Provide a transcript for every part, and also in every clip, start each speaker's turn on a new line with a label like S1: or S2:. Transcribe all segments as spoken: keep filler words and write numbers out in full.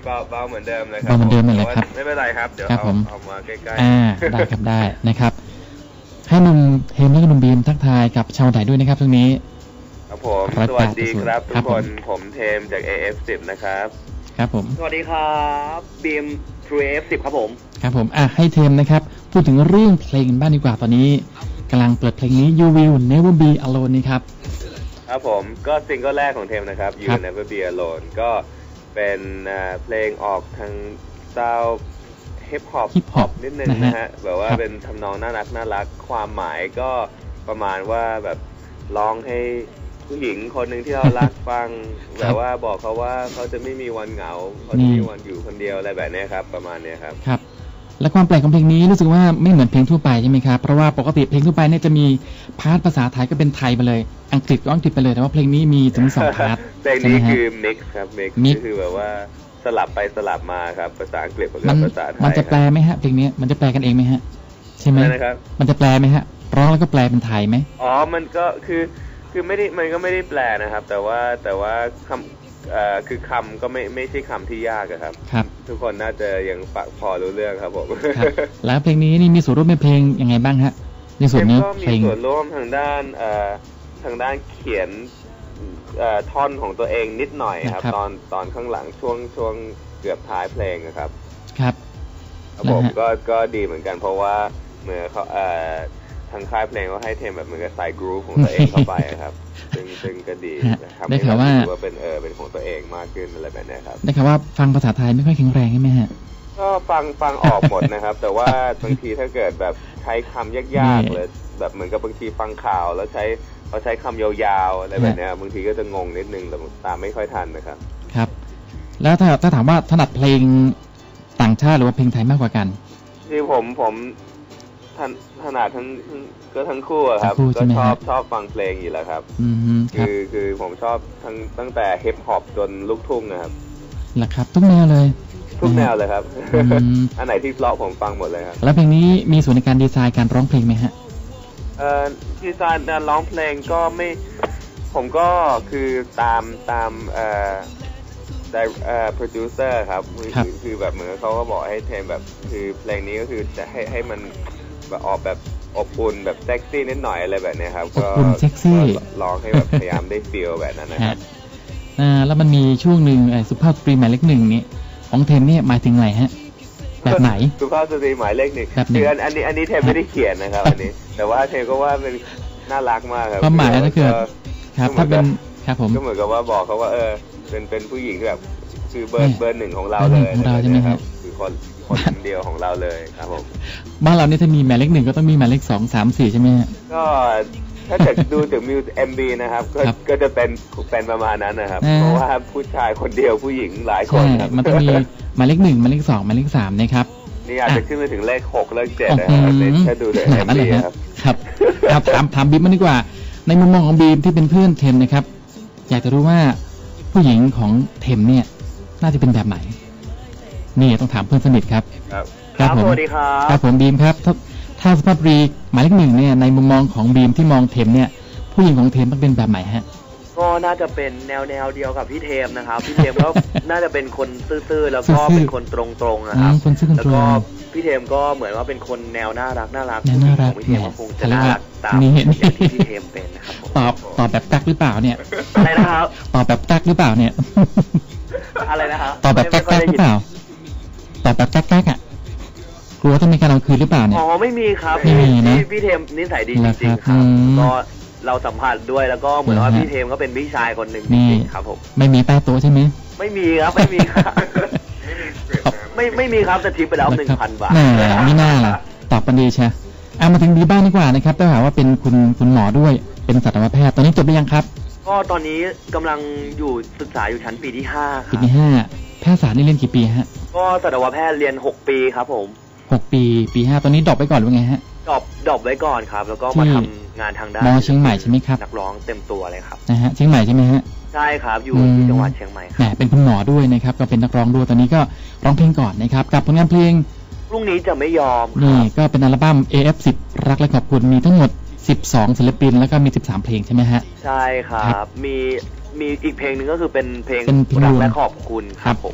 S1: เบาเบาเหมือนเดิมเลยครับ
S2: เบาเหมือนเดิมเลยครับ
S1: ไม่เป็นไรครับเดี๋ยว
S2: ครับ
S1: เอา
S2: ผม
S1: เอามาใกล้ๆ
S2: อ่าได้ครับได้นะครับให้หนุ่มเฮมและหนุ่มบีมทักทายกับชาวไทยด้วยนะครับตรงนี้
S1: ครับผมสวัสดีครับทุกคนผมเทมจาก เอ เอฟ สิบ นะครับ
S2: ครับผม
S3: สวัสดีครับบีม True เอ เอฟ สิบ ครับผม
S2: ครับผมอ่ะให้เทมนะครับพูดถึงเรื่องเพลงบ้างดีกว่าตอนนี้กำลังเปิดเพลงนี้ You Will Never Be Alone นี่ครับ
S1: ครับผมก็ซิงเกิลแรกของเทมนะครับ You Will Never Be Alone ก็เป็นเพลงออกทางสไตล์ฮิปฮอป
S2: ฮิปฮอป
S1: นิดนึงนะฮะแบบว่าเป็นทำนองน่ารักน่ารักความหมายก็ประมาณว่าแบบร้องให้ผู้หญิงคนหนึ่งที่เรารักฟังแบบว่าบอกเขาว่าเขาจะไม่มีวันเหงาเขาจะมีวันอยู่คนเดียวอะไรแบบนี้ครับประมาณนี้ครับ
S2: ครับและความแปลกของเพลงนี้รู้สึกว่าไม่เหมือนเพลงทั่วไปใช่ไหมครับเพราะว่าปกติเพลงทั่วไปเนี่ยจะมีพาร์ทภาษาไทยก็เป็นไทยไปเลยอังกฤษก็อังกฤษไปเลยแต่ว่าเพลงนี้มีถึงสองพาร์ท
S1: เพลงนี้คือ mix ครับ mix ก็คือแบบว่าสลับไปสลับมาครับภาษาอังกฤษกับภาษาไทย
S2: มันจะแปลไหมฮะเพลงนี้มันจะแปลกันเองไหมฮะใช่ไหม
S1: นะครับ
S2: มันจะแปลไหมฮะร้องแล้วก็แปลเป็นไทยไหม
S1: อ๋อมันก็คือคือไม่ได้มันก็ไม่ได้แปลนะครับแต่ว่าแต่ว่าคำเอ่อคือคำก็ไม่ไม่ใช่คำที่ยากครับ
S2: ครับ
S1: ทุกคนน่าจะยังพอรู้เรื่องครับผม
S2: แล้วเพลงนี้นี่มีส่วนร่วมในเพลงยังไงบ้างฮะในส่วนนี้
S1: เพลงก็มีส่วนร่วมทางด้านเอ่อทางด้านเขียนเอ่อท่อนของตัวเองนิดหน่อยครับตอนตอนข้างหลังช่วงช่วงเกือบท้ายเพลงนะครับ
S2: ครับ
S1: ผมก็ก็ดีเหมือนกันเพราะว่าเมื่อเขาเอ่อทางค่ายเพลงก็ให้เทมแบบเหมือนกับใส่กรูฟของตัวเองเข้าไปครับซึ่งซึ่งก็ดีนะครับ
S2: ได้ข่าวว่า
S1: เป็นเออเป็นของตัวเองมากขึ้นอะไรแบบนี้ครับ
S2: ได้ข่าวว่าฟังภาษาไทยไม่ค่อยแข็งแรงใช่ไหมฮะ
S1: ก็ฟังฟังออกหมดนะครับแต่ว่าบางทีถ้าเกิดแบบใช้คำยากๆเลยแบบเหมือนกับบางทีฟังข่าวแล้วใช้เขาใช้คำยาวๆอะไรแบบนี้บางทีก็จะงงนิดนึงแต่ตามไม่ค่อยทันนะครับ
S2: ครับแล้วถ้าถ้าถามว่าถนัดเพลงต่างชาติหรือว่าเพลงไทยมากกว่ากัน
S1: ที่ผมผมถนัดทั้งก็ทั้งคู่ครับก็ชอบชอบฟังเพลงอยู่แล้วครับคือคือผมชอบทั้งตั้งแต่ฮิปฮอปจนลูกทุ่งนะครับ
S2: แหละครับทุกแนวเลย
S1: ทุกแนวเลยครับอันไหนที่เพราะผมฟังหมดเลยครับ
S2: แล้วเพลงนี้มีส่วนในการดีไซน์การร้องเพลงไหมฮะ
S1: เอ่อดีไซน์การร้องเพลงก็ไม่ผมก็คือตามตามเอ่อได้เอ่อโปรดิวเซอร์ครับคือคือแบบเหมือนเขาก็บอกให้เทมแบบคือเพลงนี้ก็คือจะให้ให้มันแบบออกแบบอบอุ่นแบบเซ็กซี่นิดหน่อยอะไรแบบนี้ครับ
S2: ก็อบอุ่นเซ็กซี่
S1: ร้องให้แบบพยายามได้ฟีลแบบนั้นนะครับ
S2: อ่าแล้วมันมีช่วงหนึ่งสุภาพสตรีหมายเลขหนึ่งนี้ของเทมเนี่ยหมายถึงอะไรฮะแบบไหน
S1: สุภาพสตรีหมายเลขหนึ่งคืออันนี้อันนี้เทมไม่ได้เขียนนะครับอันนี้แต่ว่าเทมก็ว่าเป็นน่ารักมากครับ
S2: ความหมายก็คือครับถ้าเป็นครับผม
S1: ก็เหมือนกับว่าบอกเขาว่าเออเป็นเป็นผู้หญิงแบบคือเบอร์เบอร์หนึ่งของเราเลย
S2: ของเราใช่ไหมครับ
S1: คือคนคนเดียวของเราเลยครับผม
S2: บ้านเราเนี่ยถ้ามีหมายเลขหนึ่งก็ต้องมีหมายเลขสองสามสี่ใช่ไหมฮะ
S1: ก็ถ้าเกิดดูถึงมิวเอ็มบีนะครับก็จะเป็นเป็นประมาณนั้นนะครับเพราะว่าผู้ชายคนเดียวผู้หญิงหลายคนครับ
S2: มันต้องมีหมายเลขหนึ่งหมายเลขสองหมายเลขสามนะครับ
S1: นี่อาจจะขึ้นไปถึงเลขหกเลขเจ็ดนะครับถ้าดูถึงเอ็มบีครับ
S2: ครับครับถามถามบีมมาดีกว่าในมุมมองของบีมที่เป็นเพื่อนเทมนะครับอยากจะรู้ว่าผู้หญิงของเทมเนี่ยน่าจะเป็นแบบไหนนี่ต้องถามเพื่อนสนิทครับ
S3: ครับสวัสดีครับ
S2: ครับผมบีมครับถ้าถ้าสุภาพสตรีหมายเลขหนึ่งเนี่ยในมุมมองของบีมที่มองเทมเนี่ยผู้หญิงของเทมต้องเป็นแบบไหนฮะ
S3: ก็น่าจะเป็นแนวแนวเดียวกับพี่เทมนะครับพี่เทมก็น่าจะเป็นคนซื่อๆแล้วก็เป็นคนตรงๆนะครับแล้วก็พี่เทมก็เหมือนว่าเป็นคนแนวน่ารักน่ารักของพี่เทมก็คงจะน่ารักตามอย่างที่พี่เทมเป็นนะครับ
S2: ตอบตอบแบบตักหรือเปล่าเนี่ย
S3: อะไรนะครับ
S2: ตอบแบบตักหรือเปล่าเนี่ย
S3: อะไรนะครับ
S2: ตอบแบบตักหรือเปล่าตอบแบบตักๆอ่ะกลัวต้องมีการเอาคืนหรือเปล่าเนี่ย
S3: อ๋อไม่มีครับ
S2: ไม่มีนะ
S3: พี่เทมนิสัยดีจริงๆครับก็เราสัมผัสด้วยแล้วก็เหมือนว่าพี่เทมก็เป็นพี่ชายคนหนึ่งจริงๆครับผม
S2: ไม่มีใต้โต๊ะใช่ไหม
S3: ไม่มีครับไม่มีครับไม่ไม่มีครับแต่ทิปไปแล้วหนึ่งพันบาท
S2: ไม่น่าล่ะตอบปันดีใช่เอามาถึงดีบ้างดีกว่านะครับต้องถามว่าเป็นคุณคุณหมอด้วยเป็นสัตวแพทย์ตอนนี้จบหรือยังครับ
S3: ก็ตอนนี้กำลังอยู่ศึกษาอยู่ชั้นปีที่ห้าครับ
S2: ปีที่ห้าแพทยศาสตร์นี่เรียนกี่ปีฮะ
S3: ก็สัตวแพทย์เรียนหกปีครับผม
S2: หกปีปีห้าตอนนี้ดรอปไปก่อนหรือไงฮะ
S3: ดรอปดรอปไว้ก่อนครับแล้วก็มาทำงานทางด้าน
S2: มอเชียงใหม่ใช่ไหมครับ
S3: นักร้องเต็มตัวเลยครับ
S2: นะฮะเชียงใหม่ใช่ไหมฮะ
S3: ใช่ครับอยู่ที่จังหวัดเชียงใหม่ครับ
S2: เป็นคุณหมอด้วยนะครับก็เป็นนักร้องด้วยตอนนี้ก็ร้องเพลงก่อนนะครับกับผลงานเพลง
S3: พรุ่งนี้จะไม่ยอม
S2: นี่ก็เป็นอัลบั้ม เอ เอฟ สิบ รักและขอบคุณมีทั้งหมดสิบสองศิลปินแล้วก็มีสิบสามเพลงใช่ไหมฮะ
S3: ใช่ครับมีมีอีกเพลงหนึ่งก็คือเป็นเพลงรักและขอบคุณครับผม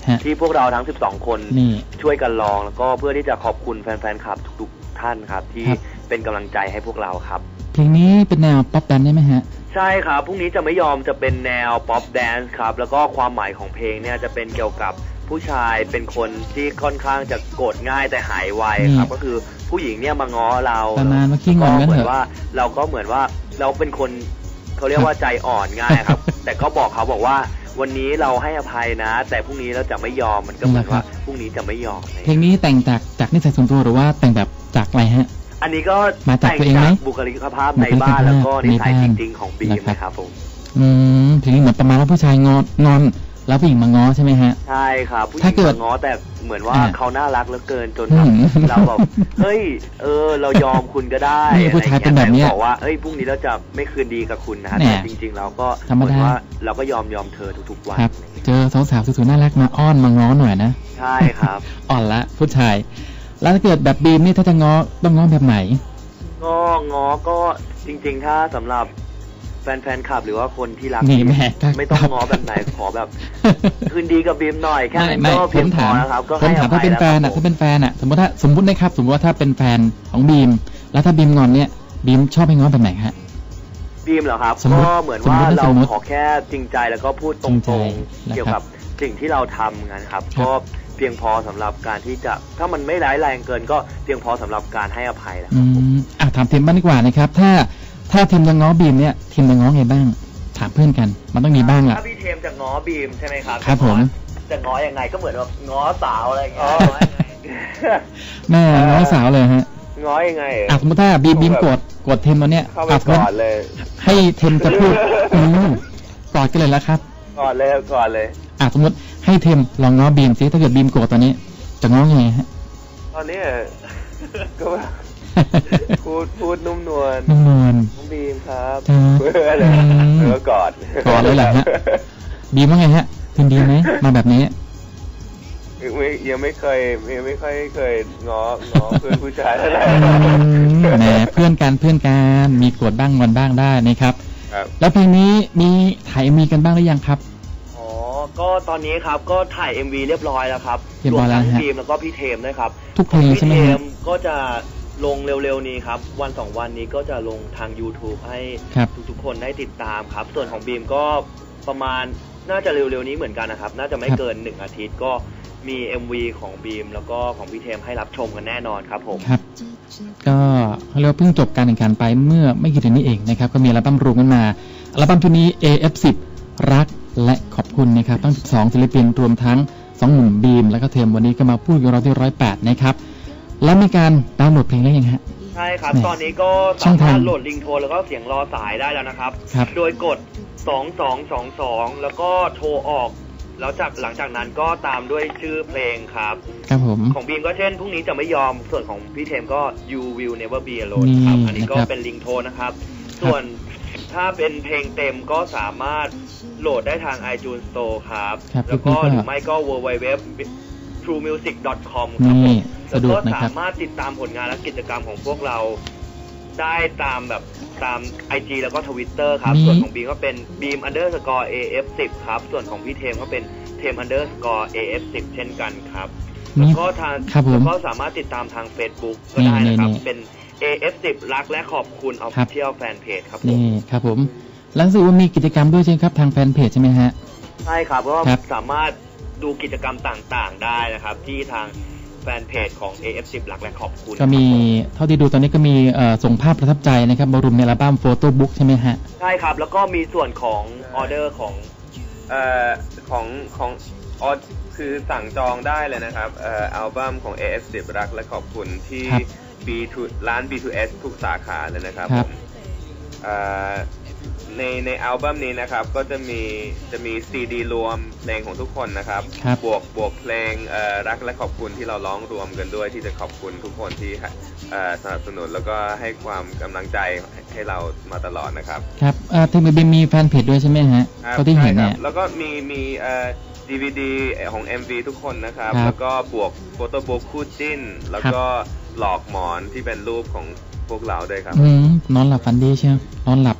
S3: ที่พวกเราทั้งสิบสองคนช่วยกันร้องแล้วก็เพื่อที่จะขอบคุณแฟนๆคลับทุกๆท่านครับที่เป็นกำลังใจให้พวกเราครับ
S2: เพลงนี้เป็นแนวป๊อปแดนซ์ได้ไหมฮะ
S3: ใช่ครับพรุ่งนี้จะไม่ยอมจะเป็นแนวป๊อปแดนซ์ครับแล้วก็ความหมายของเพลงเนี่ยจะเป็นเกี่ยวกับผู้ชายเป็นคนที่ค่อนข้างจะโกรธง่ายแต่หายไวครับก็คือผู้หญิงเนี่ยมาง้อเรา
S2: ประมาณว่าขี้งอนกันเหมือน
S3: ว่าเราก็เหมือนว่าเราเป็นคนเขาเรียกว่าใจอ่อนง่ายครับแต่ก็บอกเขาบอกว่าวันนี้เราให้อภัยนะแต่พรุ่งนี้เราจะไม่ยอมมันก็เหมือนว่าพรุ่งนี้จะไม่ยอม
S2: เพลงนี้แต่งจากจากนิสัยส่วนตัวหรือว่าแต่งแบบจากอะไรฮะ
S3: อันนี้ก็
S2: มาจากตัวเองไหม
S3: บุคลิกภาพในบ้านแล้วก็นิสัยจริงๆของบีมนะครับผม
S2: อืมเพลงนี้เหมือนประมาณว่าผู้ชายงอนงอนแล้วผู้หญิงมาง้อใช่ไหมฮะ
S3: ใช่ครับผู้หญิงมาง้อแต่เหมือนว่าเขาน่ารักเหลือเกินจนเราแบบเฮ้ยเออเรายอมคุณก็ได้
S2: ผู้ชายเป็นแบบนี้
S3: บอกว่าเอ้ยพรุ่งนี้เราจะไม่คืนดีกับคุณนะแต่จริงๆเราก็เหมือนว่าเราก็ยอมยอมเธอทุกๆวัน
S2: เจอสาวๆสวยๆน่ารักมาอ้อนมาง้อหน่อยนะ
S3: ใช่ครับ
S2: อ่อนละผู้ชายแล้วถ้าเกิดแบบบีมนี่ถ้าจะง้อต้องง้อแบบไหน
S3: ก็ง้อก็จริงๆถ้าสำหรับแฟนๆคลับหรือว่าคนที่รักไม่ต้องง้อแบบไหนขอแบบคืนดีกับบีมหน่อยแค่นั้นก็เพียงพอนะครับก็ให้อภัยแล้ว
S2: ถ้าเป็นแฟนอ่ะถ้าเป็นแฟนอ่ะสมมติถ้าสมมตินะครับสมมติว่าถ้าเป็นแฟนของบีมแล้วถ้าบีมงอนเนี่ยบีมชอบให้ง้อแบบไหนฮะ
S3: บีมเหรอครับก็เหมือนว่าเราขอแค่จริงใจแล้วก็พูดตรงๆเกี่ยวกับสิ่งที่เราทำกันครับก็เพียงพอสำหรับการที่จะถ้ามันไม่ร้ายแรงเกินก็เพียงพอสำหรับการให้อภัยแล้วครับผม
S2: อ่ะถามเทมบ้างดีกว่านะครับถ้าถ้าทีมจะง้อบีมเนี่ยทีมจะง้อไงบ้างถามเพื่อนกันมันต้องมีบ้างอ่ะ
S3: ถ้าพี่เทมจะง้อบีมใช่ไหมครับ
S2: ครับผม
S3: จะง้อยังไงก็เหมือนแบบง้อสาวอะไรอย่างเงี้ย
S2: แม่ง้อสาวเลยฮะ
S3: ง้อยังไง
S2: อ่ะสมมติถ้าบีมบีมกดกดเทมตอนเนี้ย
S1: เข้าไปกอดเลย
S2: ให้เทมจะพูดอืมกอดกันเลยแล้วครับ
S1: กอดเลยกอดเลย
S2: อ่ะสมมติให้เทมลองง้อบีมซิถ้าเกิดบีมโกรธตอนนี้จะง้อยังไงฮะ
S1: ตอนนี้ก็พูดพูดนุ่มนวล
S2: นุ่มนวล
S1: น้องบีมครับเพื่อเลยแล้วก็กอด
S2: กอดเลยแหละฮะบีมว่าไงฮะคืนดีไหมมาแบบนี้
S1: ยังไม่เคยยังไม่ค่อยเคยง้อง้อเพื่อนผู้ชายเท่าไหร่
S2: แหมเพื่อนกันเพื่อนกันมีโกรธบ้างงอนบ้างได้นะครับแล้วเพลงนี้มีถ่ายมีกันบ้างหรือยังครับ
S3: อ๋อก็ตอนนี้ครับก็ถ่าย เอ็ม วี เรียบร้อยแล้วครับ
S2: รวมทั้ง
S3: บีมแล้วก็พี่เทมด้วยครับ
S2: ทุกเพลงใช่ไหม
S3: พี่เทมก็จะลงเร็วๆนี้ครับวันสองวันนี้ก็จะลงทาง YouTube ให้ทุกๆคนได้ติดตามครับส่วนของบีมก็ประมาณน่าจะเร็วๆนี้เหมือนกันนะครับน่าจะไม่เกินหนึ่งอาทิตย์ก็มี เอ็ม วี ของบีมแล้วก็ของพี่เทมให้รับชมกันแน่นอนครับผม
S2: ครับก็เราเพิ่งจบการแข่งขันไปเมื่อไม่กี่เดือนนี้เองนะครับก็มีอัลบั้มรวมกันมาอัลบั้มชุดนี้ เอ เอฟ สิบ รักและขอบคุณนะครับทั้งสิบสองศิลปินรวมทั้งสองหนุ่มบีมแล้วก็เทมวันนี้ก็มาพูดกับเราที่หนึ่งร้อยแปดนะครับแล้วมีการดาวน์โหลดเพลงได้ยังฮะ
S3: ใช่ครับตอนนี้ก็สามารถโหลดลิงโทนแล้วก็เสียงรอสายได้แล้วนะครับโดยกดสองสองสองสองแล้วก็โทรออกแล้วจากหลังจากนั้นก็ตามด้วยชื่อเพลงครับ
S2: ครับผม
S3: ของบีมก็เช่นพรุ่งนี้จะไม่ยอมส่วนของพี่เทมก็ You Will Never Be Alone ครับอันนี้ก็เป็นลิงโทนนะครับส่วนถ้าเป็นเพลงเต็มก็สามารถโหลดได้ทาง iTunes Store ครับแล้วก็หรือไม่ก็ ดับเบิลยู ดับเบิลยู ดับเบิลยู ดอท ทรู มิวสิก ดอท คอม ครับผมแล้วก็สามารถติดตามผลงานและกิจกรรมของพวกเราได้ตามแบบตาม ไอ จี แล้วก็ Twitter ครับส่วนของบีมก็เป็น beam underscore เอ เอฟ สิบ ครับส่วนของพี่เทมก็เป็น เทม underscore เอ เอฟ สิบ เช่นกันครับแล้วก็ทางแล้วก็สามารถติดตามทาง Facebook ก็ได้นะครับเป็น เอ เอฟ สิบ รักและขอบคุณ Official Fan Page ครับผม
S2: นี่ครับผมแล้วรู้ว่ามีกิจกรรมด้วยใช่ไหมครับทางแฟนเพจใช่ไหมฮะ
S3: ใช่ครับก็สามารถดูกิจกรรมต่างๆได้นะครับที่ทางแฟนเพจของ เอ เอฟ สิบ รักและขอบคุณ
S2: ก็มีเท่าที่ดูตอนนี้ก็มีส่งภาพประทับใจนะครับบรมในอัลบั้มโฟโต้บุ๊กใช่ไหมฮะ
S3: ใช่ครับแล้วก็มีส่วนของออเดอร์ของ
S1: เอ่อของของออคือสั่งจองได้เลยนะครับเอ่ออัลบั้มของ เอ เอฟ สิบ รักและขอบคุณที่ บี ทู ร้าน บี ทู เอส ทุกสาขาเลยนะครับผมเอ่อในในอัลบั้มนี้นะครับก็จะมีจะมีซีดีรวมเพลงของทุกคนนะครับบวกบวกเพลงเอ่อรักและขอบคุณที่เราร้องรวมกันด้วยที่จะขอบคุณทุกคนที่เอ่อสนับสนุนแล้วก็ให้ความกำลังใจให้เรามาตลอดนะครับ
S2: ครับเอ่อทีมบีมีแฟนเพจด้วยใช่ไหมฮะก็ที่เห็นเนี่ย
S1: แล้วก็มีมีเอ่อ ดี วี ดี ของ เอ็ม วี ทุกคนนะครับแล้วก็บวกโฟโต้บุ๊กคู่จิ้นแล้วก็หลอกหมอนที่เป็นรูปของพวกเราด้วยครับ
S2: อืมนอนหลับฝันดีใช่ไหมนอนหลับ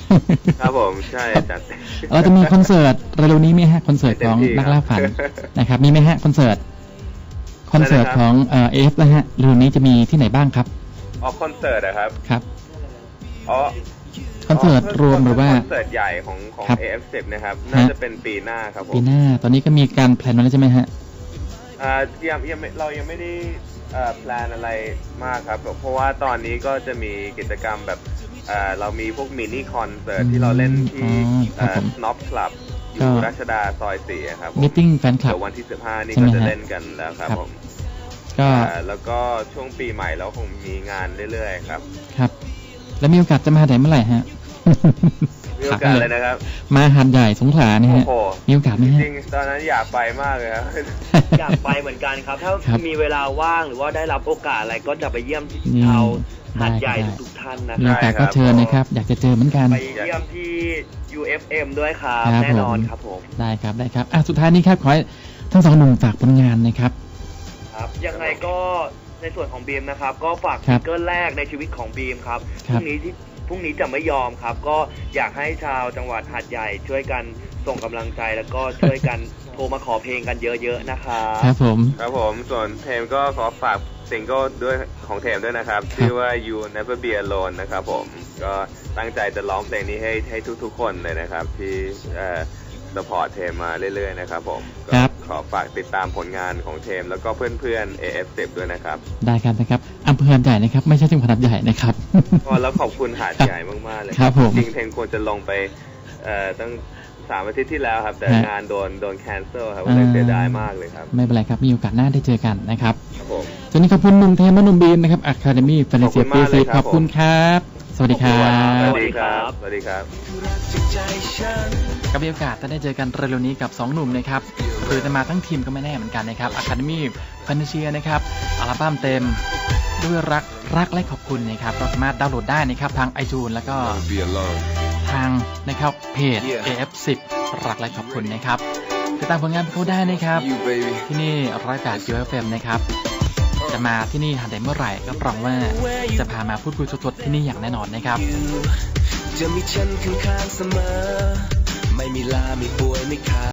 S1: ครับผมใช่จัด
S2: เราจะมีคอนเสิร์ตเร็วๆนี้ไหมฮะคอนเสิร์ตของนักล่าฝันนะครับมีไหมฮะคอนเสิร์ตคอนเสิร์ตของเอ่อเอฟนะฮะเร็วนี้จะมีที่ไหนบ้างครับ
S1: อ๋อคอนเสิร์ตนะครับ
S2: ครับ
S1: อ๋อ
S2: คอนเสิร์ตรวมหรือว่า
S1: คอนเสิร์ตใหญ่ของของ เอ เอฟ สิบ นะครับน่าจะเป็นปีหน้าครับผม
S2: ปีหน้าตอนนี้ก็มีการแพลนมาแล้วใช่ไหมฮะ
S1: อ่ายังยังเรายังไม่ได้เอ่อแพลนอะไรมากครับเพราะว่าตอนนี้ก็จะมีกิจกรรมแบบเอ่อเรามีพวกมินิคอนเสิร์ตที่เราเล่นที่เอ่อ Snob Club อยู่รัชดาซอยสี่ครับ
S2: มีตติ้งแฟนคลับ
S1: เดี๋ยววันที่สิบห้านี่ก็จะเล่นกันแล้วครับผมก็แล้วก็ช่วงปีใหม่เราคงมีงานเรื่อยๆครับ
S2: ครับแล้วมีโอกาสจะมาไหนเมื่อไหร่ฮะ
S1: มีโอกาสเลยนะครับ
S2: มาหาดใหญ่สงขลาเนี่ยฮะมีโอกาสไหมฮะ
S1: จริงตอนนั้นอยากไปมากเลยครับ
S3: อยากไปเหมือนกันครับถ้ามีเวลาว่างหรือว่าได้รับโอกาสอะไรก็จะไปเยี่ยมชาวหาดใหญ่ทุกท่านนะ
S2: มีโอกาสก็เชิญนะครับอยากจะเจอเหมือนกัน
S3: ไปเยี่ยมที่ ยู เอฟ เอ็ม ด้วยครับแน่นอนครับผม
S2: ได้ครับได้ครับอ่ะสุดท้ายนี้ครับขอให้ทั้งสองหนุ่มฝากผลงานนะครับ
S3: ครับยังไงก็ในส่วนของบีมนะครับก็ฝากซิงเกิลแรกในชีวิตของบีมครับพรุ่งนี้ที่พรุ่งนี้จะไม่ยอมครับก็อยากให้ชาวจังหวัดหาดใหญ่ช่วยกันส่งกำลังใจแล้วก็ช่วยกันโทรมาขอเพลงกันเยอะๆนะครับ
S2: ครับผม
S1: ครับผมส่วนเทมก็ขอฝากซิงเกิลด้วยของเทมด้วยนะครับชื่อว่า You Never Be Alone นะครับผมก็ตั้งใจจะร้องเพลงนี้ให้ให้ทุกๆคนเลยนะครับที่เอ่อสปอร์ตเทมมาเรื่อยๆนะครับผมก็ขอฝากติดตามผลงานของเทมแล้วก็เพื่อนๆ เอ เอฟ สิบ ด้วยนะครับ
S2: ได้ครับนะครับอำเภอหาดใหญ่นะครับไม่ใช่จังหวัดหาดใหญ่นะครับ
S1: อ๋อแล้วขอบคุณหาดใหญ่มากๆเลย
S2: ครับผม
S1: จริงๆเทมควรจะลงไปเอ่อตั้งสามอาทิตย์ที่แล้วครับแต่งานโดนโดนแคนเซิลครับเลยเสียดายมากเลยครับ
S2: ไม่เป็นไรครับมีโอกาสหน้าได้เจอกันนะครับ
S1: ครับผม
S2: จนนี้ขอบคุณหนุ่มเทมและหนุ่มบีมนะครับอะคาเดมี่แฟนตาซีปีซีขอบคุณครับสวัสดีครับ
S1: สวัสดีครับสวัสดีครับ
S2: ก็มีโอกาสจะได้เจอกันเร็วๆนี้กับสองหนุ่มนะครับหรือจะมาทั้งทีมก็ไม่แน่เหมือนกันนะครับ Academy Fantasia นะครับอัลบั้มเต็มด้วยรักรักและขอบคุณนะครับเราสามารถดาวน์โหลดได้นะครับทาง iTunes แล้วก็ทางนะครับเพจ เอ เอฟ สิบ รักและขอบคุณนะครับติดตามผลงานเขาได้นะครับที่นี่ร้อยแปด ยู เอฟ เอ็ม นะครับจะมาที่นี่หาได้เมื่อไหร่ก็รับรองว่าจะพามาพูดคุยสดๆที่นี่อย่างแน่นอนนะครับจะมีฉันข้างๆเสมอไม่มีลาไม่ป่วยไม่ขาด